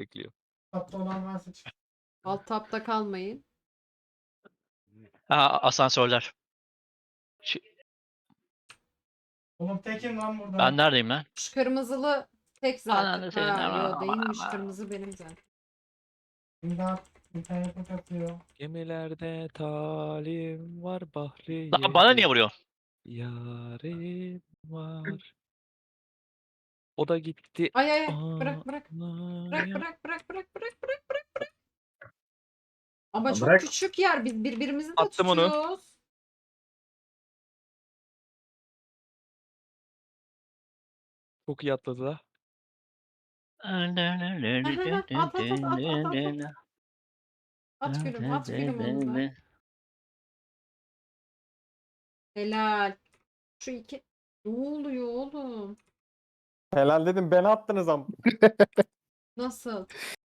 bekliyor. Tapta olan varsa çık. Alt tapta kalmayın. Asansörler. Oğlum tekim lan burada. Ben neredeyim lan? Şu kırmızılı tek zaten. Ananı senin, Ha yo aman, değilmiş, aman. kırmızı benim zaten. İmdat. İnternetim katıyor. Gemilerde talim var bahri. Lan bana niye vuruyor? Yarim var. O da gitti. Ay ay ay bırak bırak. Bırak Ağlamaya. bırak bırak bırak bırak bırak bırak bırak. Ama Ya çok bırak. küçük yer, biz birbirimizi de Attım onu. tutuyoruz. Çok iyi atladı da. At at at at at at at. At gülüm at gülüm onu da. Helal. Şu iki. Ne oluyor oğlum? Helal dedim, beni attınız ama. Nasıl?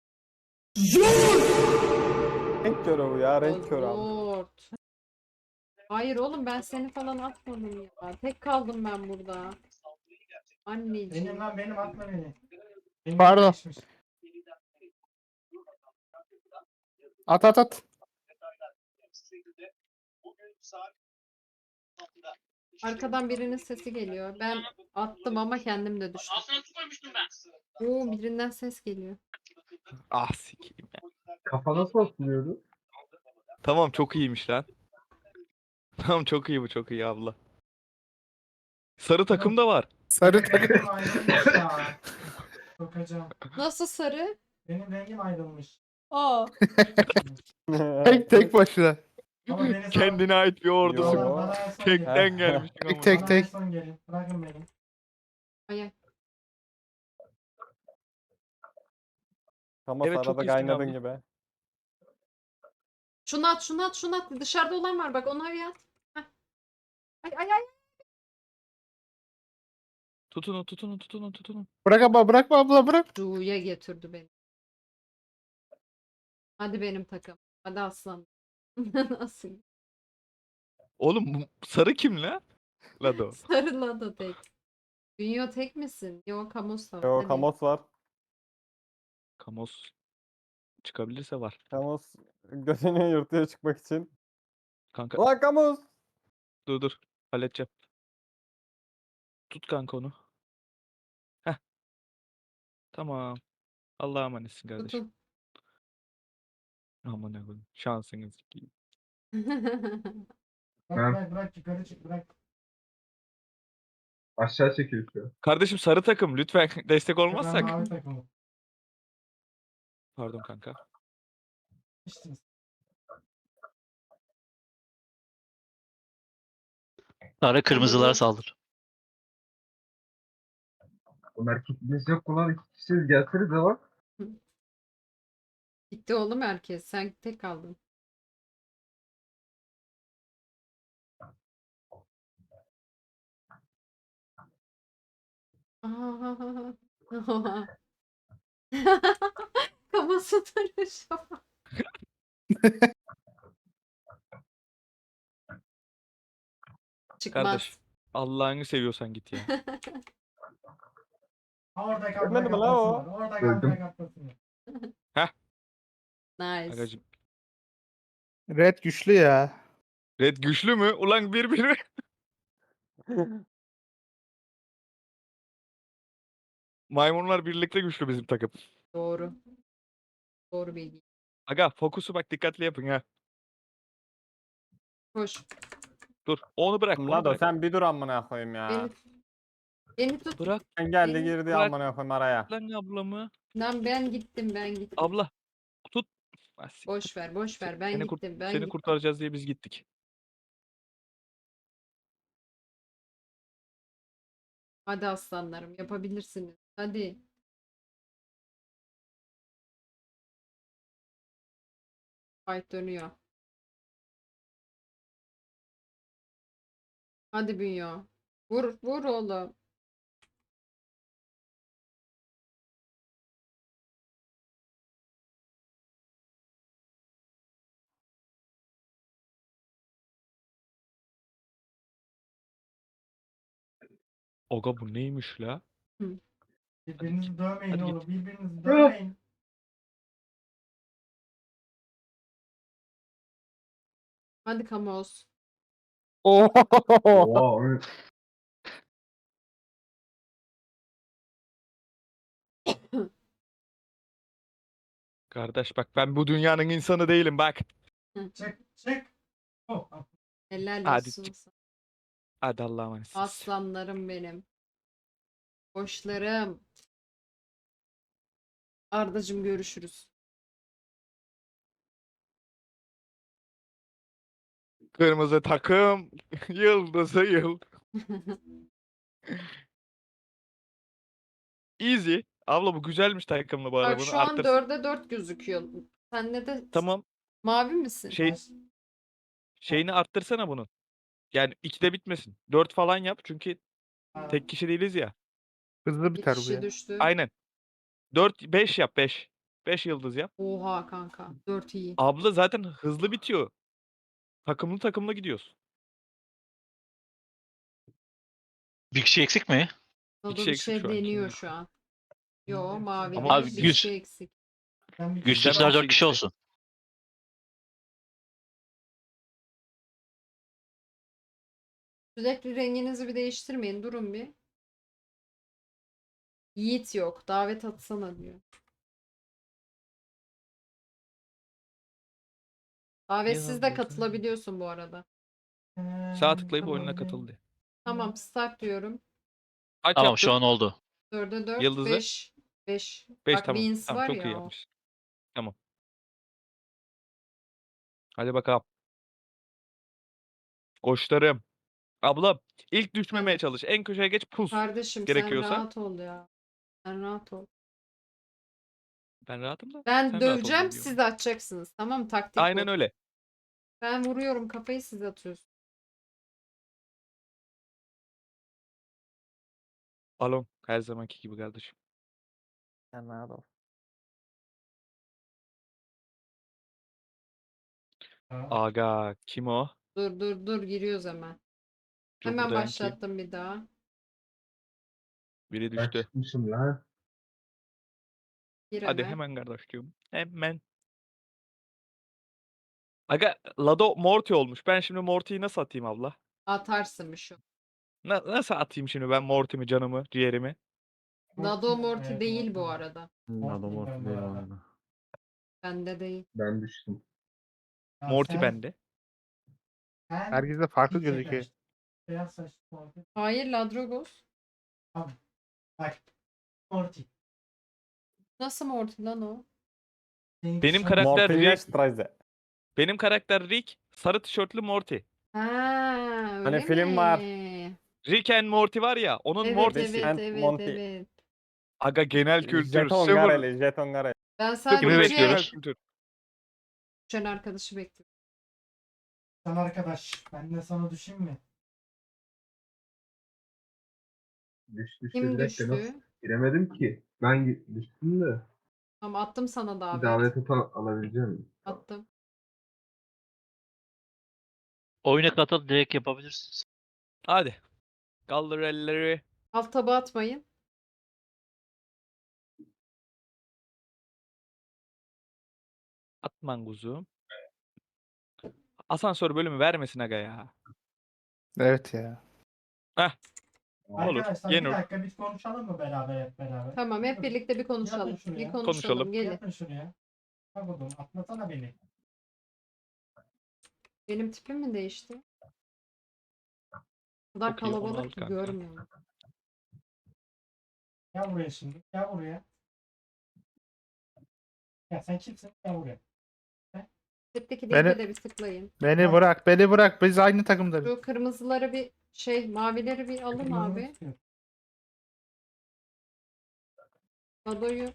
Renk körü bu ya, renk körü abi. Lord. Hayır oğlum ben seni falan atmadım ya. Tek kaldım ben burada. Anneciğim. Benim lan benim atma beni. Benim Pardon. değişmiş. At at at. Arkadan birinin sesi geliyor. Ben attım ama kendim de düştüm. Oo birinden ses geliyor. Ah sikeyim ya. Kafa nasıl asılıyordu? Tamam çok iyiymiş lan. Tamam çok iyi bu, çok iyi abla. Sarı takım da var. Sarı Benim takım. rengim ayrılmış ya. Sokacağım. Nasıl sarı? Benim rengim ayrılmış. Aa. Tek başına. Ama beni sal- Kendine ait bir ordusu. Yo. Bana en son gelin. Tekten gelmiş. Tek ama. tek. Bana en son gelin. Bırakın beni. Ay ay. Ama Evet, çok arada iyisin kaynadın abla. gibi. Şunu at şunu at şunu at. Dışarıda olan var bak onu bir at. Heh. Ay ay ay. Tutunun tutunun tutunun tutunun. Bırak abla, bırakma abla, bırak. Ru'ya getirdi beni. Hadi benim takım. Hadi aslan. Nasıl? Oğlum bu sarı kim la? Lado. Sarıla da tek. Dünya tek misin? Yok Kamus da var. Yo, Hadi. Kamos var. Kamos çıkabilirse var. Kamos gözünü yırtıya çıkmak için. Kanka Ulan Kamos! dur. Halledeceğim. Tut kanka onu. Heh. Tamam. Allah'a emanetsin kardeşim. Tutun. Aman ne koyayım. Şansınız. Bırak yukarı çık bırak. Aşağı çekiyor şu an. Kardeşim sarı takım lütfen destek Ben olmazsak. mavi takımım. Pardon kanka. İşte. Sarı kırmızılara saldır. Bunlar kitimiz yok ulan, iki kişiyiz, gelseniz de bak. Gitti oğlum herkes. Sen tek kaldın. Aa. Kafası duruşu. Çıkmaz. Kardeş. Allah'ını seviyorsan git ya. Orada Ölmedi mi la kaplasın o? var. Orada Öldüm. kaplasın var. Nice. Agacım. Red güçlü ya. Red güçlü mü? Ulan bir. Maymunlar birlikte güçlü bizim takım. Doğru. Doğru bilgi. Aga fokusu bak dikkatli yapın ha. Koş. Dur. Onu bırak. Onu Lado bırak. sen bir dur amına koyayım ya. Beni tut. Bırak Sen geldi beni girdi bırak. amına koyayım araya. lan ablamı. Lan ben gittim. Abla. Tut. Ah, siktir. Boş ver. Ben Seni gittim. Ben Seni gittim. kurtaracağız diye biz gittik. Hadi aslanlarım yapabilirsiniz. Hadi. Fight dönüyor. Hadi Bünyo. Vur oğlum. Aga bu neymiş la? Birbirinizi dövmeyin Hadi oğlum. git. Birbirinizi dövmeyin. Hadi Kamos. Oo. Oha. Kardeş bak ben bu dünyanın insanı değilim bak. Çık çık. Oh, Helal Hadi olsun çık. sana. Hadi Allah'a emanetsiniz. Aslanlarım benim. Koçlarım. Ardacığım görüşürüz. Kırmızı takım. Yıldızı yıl. Easy. Abla bu güzelmiş takımlı bu arada. Bak Bunu şu an arttırsın. 4'e 4 gözüküyor. Sende de Tamam. mavi misin? Şey şeyini arttırsana bunun. Yani 2'de bitmesin. 4 falan yap çünkü tek kişi değiliz ya. Hızlı Bir biter bu kişi ya. düştü. Aynen. 4 5 yap 5. 5 yıldız yap. Oha kanka. 4 iyi. Abla zaten hızlı bitiyor. Takımlı takımlı gidiyoruz. Bir kişi eksik mi? Dodo kişi bir eksik şey şu an, kim deniyor bilir? şu an. Yo mavi Ama değil. Abi Bir güç- kişi eksik. Ben bir Bizden Güçlüler bir 4 şey kişi gitse. olsun. Sürekli renginizi bir değiştirmeyin. Durun bir. Yiğit yok. Davet atsana diyor. Davetsiz de katılabiliyorsun bu arada. Sağ tıklayıp oyununa katıl diye. Tamam start diyorum. Kaç Tamam şu yaptın? an oldu. 4'e 4, Yıldızı? 5. 5. 5 Bak tamam. Beans Tamam var çok iyi ya o. yapmış. Tamam. Hadi bakalım. Koçlarım. Abla ilk düşmemeye Hadi. çalış. En köşeye geç pus. Kardeşim sen Gerekiyorsa. rahat ol ya. Sen rahat ol. Ben rahatım da. Ben Sen rahat ol döveceğim diye diyorum. siz de atacaksınız. Tamam mı? Taktik Aynen bu. öyle. Ben vuruyorum kafayı siz atıyorsunuz. Alon. Her zamanki gibi kardeşim. Sen rahat ol. Aga. Kim o? Dur giriyoruz hemen. Dur Hemen buradayım kim? başlattım bir daha. Biri Ben düştü. çıkmışım lan. Gir Hadi hemen. hemen kardeşim. Hemen. Aga Lado Morty olmuş. Ben şimdi Morty'yi nasıl atayım abla? Atarsın bir şu. Nasıl atayım şimdi ben Morty'mi, canımı, ciğerimi? Nado Morty değil bu arada. Adam orta değil oyunu. Bende değil. Ben düştüm. Morty bende. Herkese farklı gözüküyor. Beyaz saçlı Morty. Hayır Ladrogos. Tamam. Bak. Morty. Nasıl Morty lan o? Seninki Benim sarı- karakter Morty Rick. Streisand. Benim karakter Rick. Sarı tişörtlü Morty. Ha, öyle film var. mi? Rick and Morty var ya. Onun Evet Morty'si. evet and evet Monty. evet. Aga genel kültür. Jeton Sıfır. Gareli, Jeton Gareli. Ben Sıfır net Kimi sadece genel bekliyoruz? kültür. düşen arkadaşı bekliyorum. Sen arkadaş. Ben de sana düşeyim mi? Düştü Kim bir dakika nasıl? düştü? Giremedim ki. Ben düştüm de. Tamam attım sana Bir davet. davet alabileceğim miyim? Attım. Oyuna katıl direkt yapabilirsiniz. Hadi. Kaldır elleri. Alt taba atmayın. Atman kuzum. Asansör bölümü vermesin aga ya. Evet ya. Olur. Arkadaşlar Yenur. bir dakika biz konuşalım mı beraber hep beraber? Tamam hep Dur, birlikte bir konuşalım. Yapın şunu Bir ya. konuşalım. Konuşalım. Gelin. Yapın şunu ya. Bak oğlum atlasana beni. Benim tipim mi değişti? O kadar Çok iyi, onu al kalabalık ki kanka. görmüyorum. Gel buraya şimdi. Gel buraya. Ya sen kimsin? Gel buraya. Tipteki Beni- linke de bir tıklayın. Beni bırak, beni bırak. Biz aynı takımdayız. Şu kırmızıları bir mavileri bir alın Kırmızını abi. tutuyorum. Adoyu.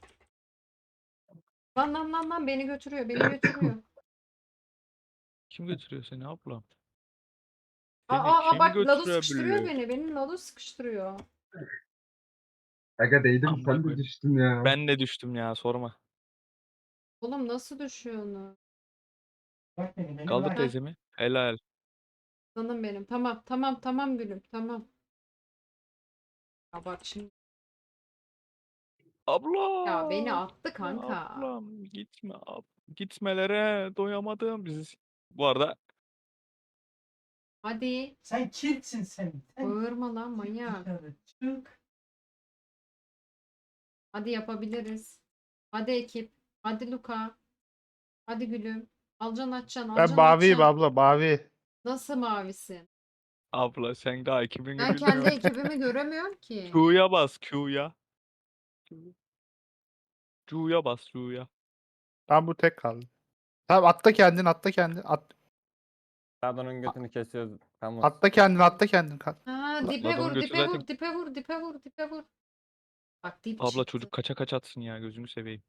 Lan beni götürüyor. Beni götürüyor. Kim götürüyor seni ablam? Beni Aa kim bak Lado götürebilir? sıkıştırıyor beni. Benim Lado sıkıştırıyor. Aga değdim Amına sen de koyayım. düştün ya. Ben de düştüm ya sorma. Oğlum nasıl düşüyor onu? Bırak beni Kaldır bırak. teyzemi. Helal. Canım benim. Tamam gülüm. Tamam. Ya bak şimdi. Abla. Ya beni attı kanka. Ablam gitme. Gitmelere doyamadım biz. Bu arada Hadi. Sen kimsin sen? Sen Bağırma lan manyak. dışarı çık. Hadi yapabiliriz. Hadi ekip. Hadi Luka. Hadi gülüm. Alacaksın açacaksın. Ben Alacaksın maviyim açacaksın. abla mavi. Nasıl mavisin? Abla sen daha ekibini Ben kendi bilmiyorsun. ekibimi göremiyorum ki. Q'ya bas Q'ya. Q'ya bas Q'ya. Ben bu tek kaldı. Tamam atla kendin atla kendin. Pardon'un götünü kesiyoruz. Kamus. Atla kendin atla kendin. Ha, dipe Adamın vur, götü dipe zaten- vur, dipe vur, dipe vur, dipe vur. Bak dip Abla çıktı. çocuk kaça kaç atsın ya gözümü seveyim.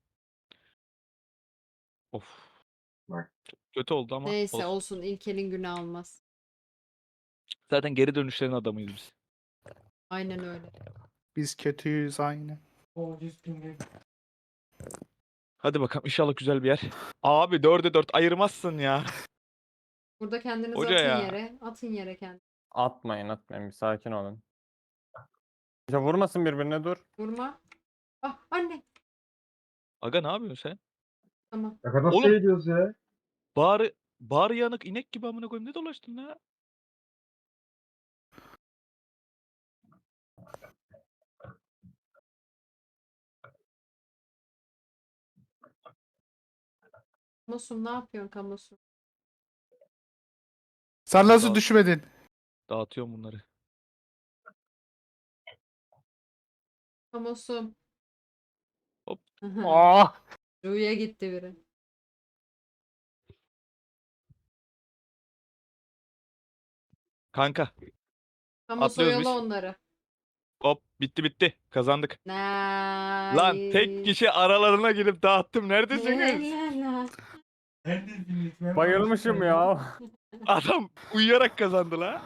Of. Bak. Çok kötü oldu ama Neyse olsun. olsun. İlk elin günü almaz. Zaten geri dönüşlerin adamıyız biz. Aynen öyle. Biz kötüyüz aynı. O 100 bin. Hadi bakalım inşallah güzel bir yer. Abi 4'e 4 ayırmazsın ya. Burada kendinizi Hoca atın ya. yere. Atın yere kendinizi. Atmayın bir sakin olun. Ya vurmasın birbirine dur. Vurma. Ah anne. Aga ne yapıyorsun sen? Tamam. Ne kadar Oğlum. şey ediyoruz ya. Bağrı yanık inek gibi amına koyayım ne dolaştın ya? Kamusum ne yapıyorsun kamusum? Sen nasıl Daha- düşmedin? Dağıtıyorum bunları. Kamusum. Hop. Ah! Ruya gitti biri. Kanka Kamus Atlıyoruz oyala biz. onları. hop bitti kazandık. Nice. Lan tek kişi aralarına girip dağıttım neredesiniz? Helal. Neredesiniz? Ben Bayılmışım başım ya. Adam uyuyarak kazandı la.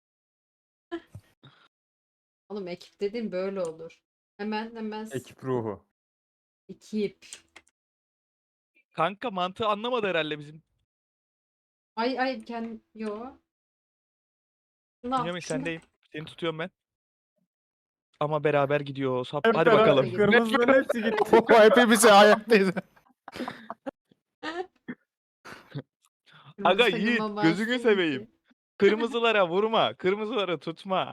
Oğlum ekip dediğin böyle olur. Hemen Ekip ruhu. ekip. Kanka mantığı anlamadı herhalde bizim. Ay yo. Şunu al, Bünyamin şunu. sendeyim. Seni tutuyorum ben. Ama beraber gidiyoruz. Hop, Hep hadi beraber bakalım. Kırmızıların hepsi gitti. Hepimiz ayaktayız. Aga Kırmızı Yiğit takıma gözünü bastın seveyim. ki. Kırmızılara vurma. Kırmızıları tutma.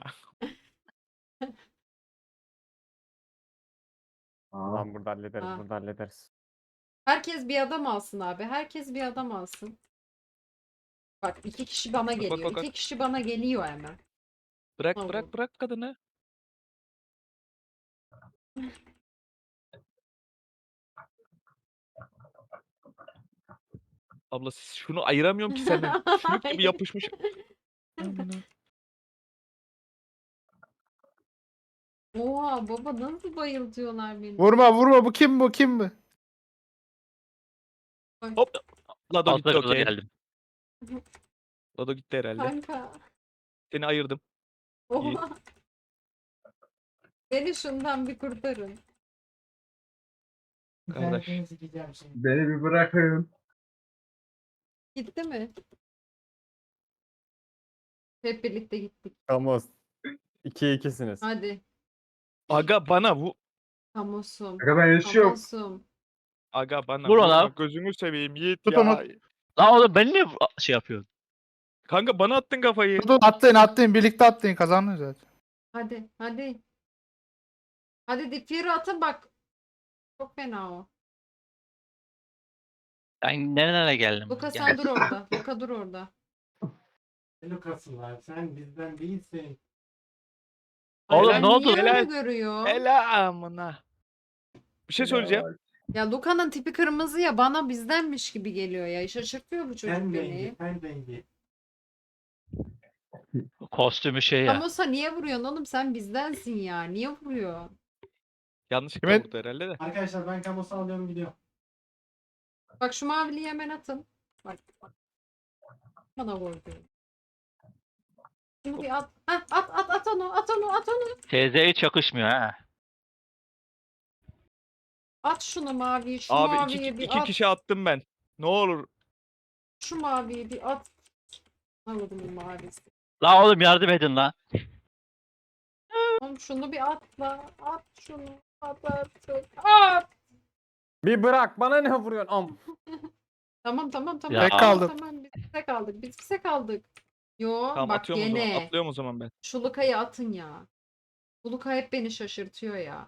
Aa, Lan burada hallederiz, Ha. burada hallederiz. Herkes bir adam alsın abi. Herkes bir adam alsın. Bak 2 kişi bana bak, geliyor. bak. 2 kişi bana geliyor hemen. Bırak Tamam. bırak kadını. Abla şunu ayıramıyorum ki senden. Sümük gibi yapışmış. Oha baba nasıl bayıltıyorlar beni. Vurma bu kim bu kim bu? Hop. Lado gitti Altta kadar okey. geldim. Lado gitti herhalde. Kanka. Seni ayırdım. İyi. Oha. Beni şundan bir kurtarın. Kardeş. İnternetini sikeceğim şimdi. beni bir bırakın. Gitti mi? Hep birlikte gittik. Kamus. 2-2'siniz. Hadi. Aga bana bu. Kamusum. Aga ben yaşıyorum. Kamusum. Aga bana Vur ona. vurma, gözünü seveyim Yiğit Tut ya. onu. Lan oğlum ben niye şey yapıyorsun? Kanka bana attın kafayı. Dur atlayın birlikte atlayın kazandınız zaten. Hadi. Hadi Dipyer'i atın bak. Çok fena o. Ben nerelere geldim? Luka Gel. sen dur orada. Luka dur orada. Lucas'ın lan sen bizden değilsin. Oğlum, Ay, ne oldu? Niye öyle Helal. görüyor? Ela amına. Bir şey söyleyeceğim. Ya Luka'nın tipi kırmızı ya bana bizdenmiş gibi geliyor ya. Şaşırtıyor bu çocuk Sen beni. rengi, sen rengi. Kostümü şey ya. Amosa niye vuruyorsun oğlum sen bizdensin ya. Niye vuruyor? Yanlışlıkla Kime- vurdu herhalde de. Arkadaşlar ben kamusu alıyorum gidiyorum. Bak şu maviliği hemen atın. Bak. Bana vurdu. Şunu bir at. Heh, at onu. TZ'ye çakışmıyor ha. At şunu maviyi. Şu Abi maviyi bir iki at. kişi attım ben. Ne olur. Şu maviyi bir at. Anladım mavisi. Lan oğlum yardım edin lan. Oğlum şunu bir atla. At şunu. At artık. At. Bir bırak, bana ne vuruyorsun? Tamam. Ya. Tek kaldım. Tamam biz bize kaldık. Yo Tamam bak atıyorum o zaman. gene. Atlıyorum o zaman ben. Şu Luka'yı atın ya. Bu Luka hep beni şaşırtıyor ya.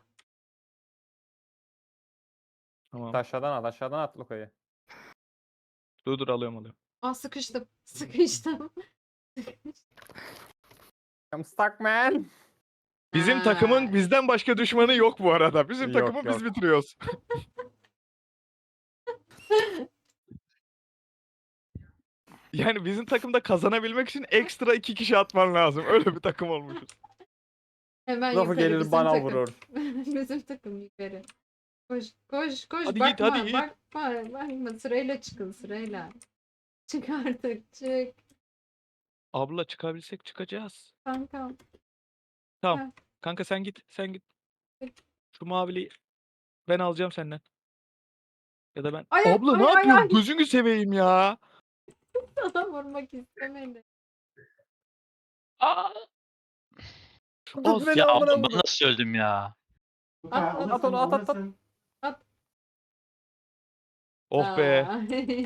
Tamam. Aşağıdan at Luka'yı. Dur alıyorum. Aa sıkıştım. Sıkıştım. I'm stuck man. Bizim takımın Ha. bizden başka düşmanı yok bu arada. Bizim Yok, takımı biz yok. bitiriyoruz. Yani bizim takımda kazanabilmek için ekstra 2 kişi atman lazım. Öyle bir takım olmuşuz. Hemen Lafı yukarı gelir bizim bana takım. vurur. Bizim takım yukarı. Koş koş koş Hadi bakma Yiğit, hadi Yiğit. bakma sırayla çıkın sırayla. Çık artık çık Abla çıkabilsek çıkacağız. kankam. Tamam. Kanka sen git. Peki. Şu maviliği ben alacağım senden. Ya da ben. Ay, Abla ay, ne ay, yapıyorsun? ay. Gözünü seveyim ya. Sana vurmak istemedi. Aa, Az. beni ya amına oğlum ben koyayım. nasıl öldüm ya? Luka At, alırsın, at onu, at, at, at. alırsın. Oh be. Aa.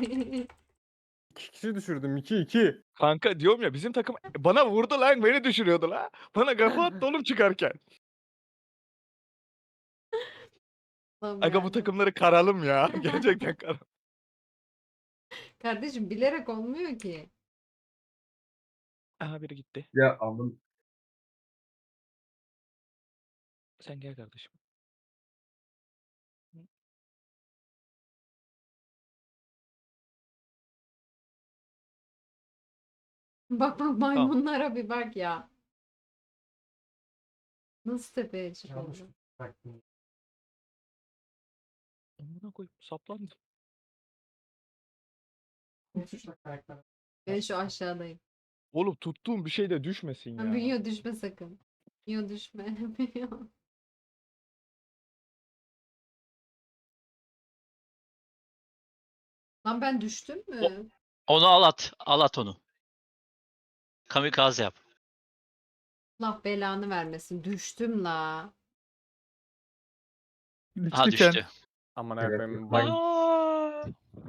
2 kişi düşürdüm. 2-2. Kanka diyorum ya bizim takım bana vurdu lan beni düşürüyordu la. Bana kafa attı oğlum çıkarken. Allah'ım Aga bu yarabbim. takımları karalım ya. Gerçekten karalım. Kardeşim bilerek olmuyor ki. Aha biri gitti. Ya aldım. Sen gel kardeşim. Bak maymunlara bir bak ya. Nasıl tepeye Yanlış çıkıldı? bıraktım. Amına koyayım saplandı. Ne tuşla karakter? Ben şu aşağıdayım. Oğlum tuttuğum bir şey de düşmesin Ha, ya. Bünyo düşme sakın. Bünyo düşme. Bünyo. Lan ben düştüm mü? Onu al at. Al at onu. Kamikaze yap. Allah belanı vermesin. Düştüm la. Ha Düştüken. düştü. Amına Evet, koyayım. yok. Bak Aa,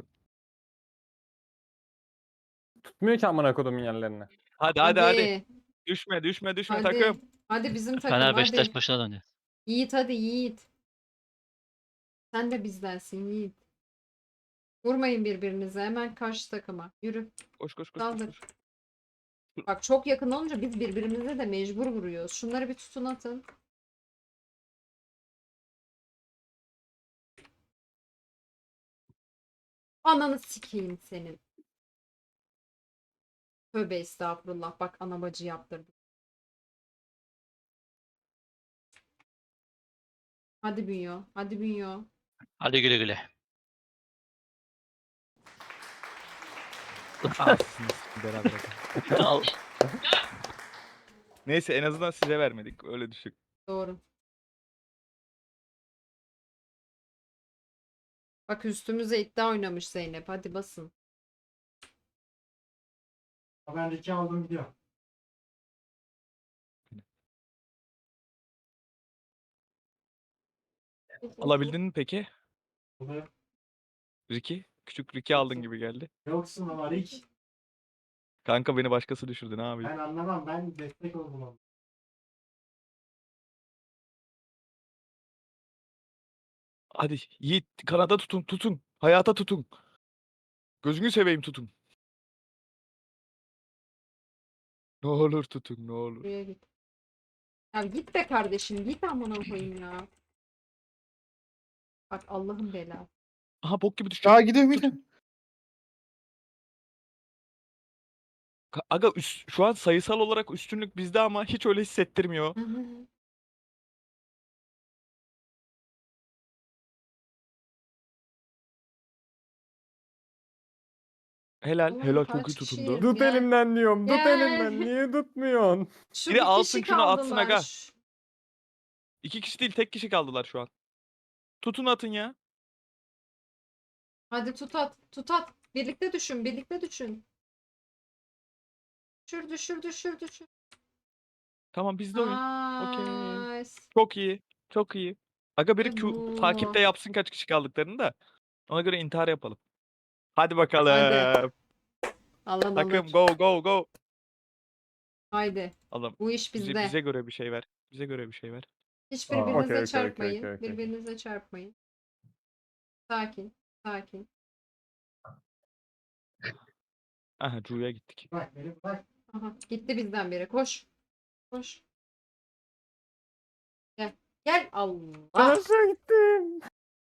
tutmuyor ki amına kodumun yerlerini. Hadi. Düşme Hadi. takım. Hadi bizim takım Fener hadi. Beşiktaş başına döndü. Yiğit hadi Yiğit. Sen de bizdensin Yiğit. Vurmayın birbirinize. Hemen karşı takıma. Yürü. Koş. Saldır. Bak çok yakın olunca biz birbirimize de mecbur vuruyoruz. Şunları bir tutun atın. Ananı sikeyim senin. Tövbe estağfurullah. Bak ana bacı yaptırdım. Hadi Bünyo. Hadi Bünyo. Hadi güle güle. Beraber. Al. Neyse en azından size vermedik. Öyle düşün. Doğru. Bak üstümüze iddia oynamış Zeynep. Hadi basın. Ben Ricky aldım gidiyor. Alabildin mi peki? Bunu Ricky? Küçük Ricky aldın gibi geldi. yoksun ama Rick. Kanka beni başkası düşürdü ne yapayım? Ben anlamam. Ben destek oldum ona. Hadi Yiğit kanada tutun. Hayata tutun. Gözünü seveyim tutun. Ne olur tutun ne olur. Buraya git. Ya git be kardeşim. Git amına koyayım ya. Bak Allah'ın belası. Aha bok gibi düşecek. Aa gidiyorum. Aga şu an sayısal olarak üstünlük bizde ama hiç öyle hissettirmiyor. Helal. Oğlum Helal çok kaç iyi kişiyiz? tutundu. Tut Gel. elimden diyorum. Tut Gel. elimden. Niye tutmuyorsun? Şu Biri bir alsın kişi şunu, atsın kaldılar. aga. 2 kişi değil tek kişi kaldılar şu an. Tutun atın ya. Hadi tut at. Tut at. Birlikte düşün. Birlikte düşün. Düşür. Tamam bizde oyun. Okey. Nice. Çok iyi. Aga biri İşte bu. takipte yapsın kaç kişi kaldıklarını da. Ona göre intihar yapalım. Hadi bakalım. Hadi. Alan Takım alır. go. Haydi. Adam Bu iş bize, bizde. bize göre bir şey ver. Bize göre bir şey ver. Hiç Aa, birbirinize okey, okey, çarpmayın. okey, okey. Birbirinize çarpmayın. Sakin. Sakin. Aha Cu'ya gittik. Bırak beni bırak. Aha, gitti bizden biri. Koş. Koş. Gel. Gel. Allah. Aşağı gittim.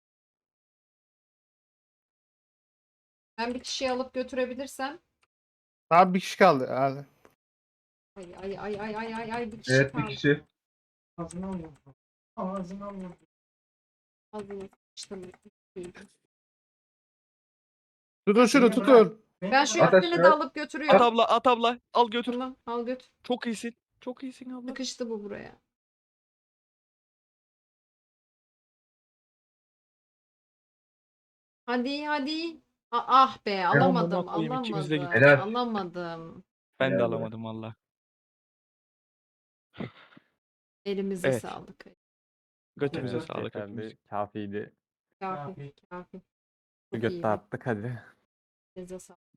Ben bir kişiyi alıp götürebilirsem. Daha bir kişi kaldı herhalde. Ay ay ay ay ay ay ay bir kişi Evet bir kaldı. kişi. Ağzına vurdu. Ağzına vurdu. Ağzını sıçtım. Tutun şunu Beni bırak. tutun. Beni Ben şu bırak. Ateş üstünü de ver. alıp At götürüyorum. abla, at abla. Al götür. Tamam al götür. Çok iyisin. Çok iyisin abla. Sıkıştı bu buraya. Hadi hadi. Ah be alamadım amına koyayım, ikimiz de alamadım. gittik. Helal. Alamadım. Ben de Helal be. alamadım valla. Elimize Evet. sağlık. Götümüze Evet, sağlık Yeterli. hepimiz. Kafiydi. Kafi kafi. Bir Çok götte iyiydi. attık hadi. Elinize sağlık.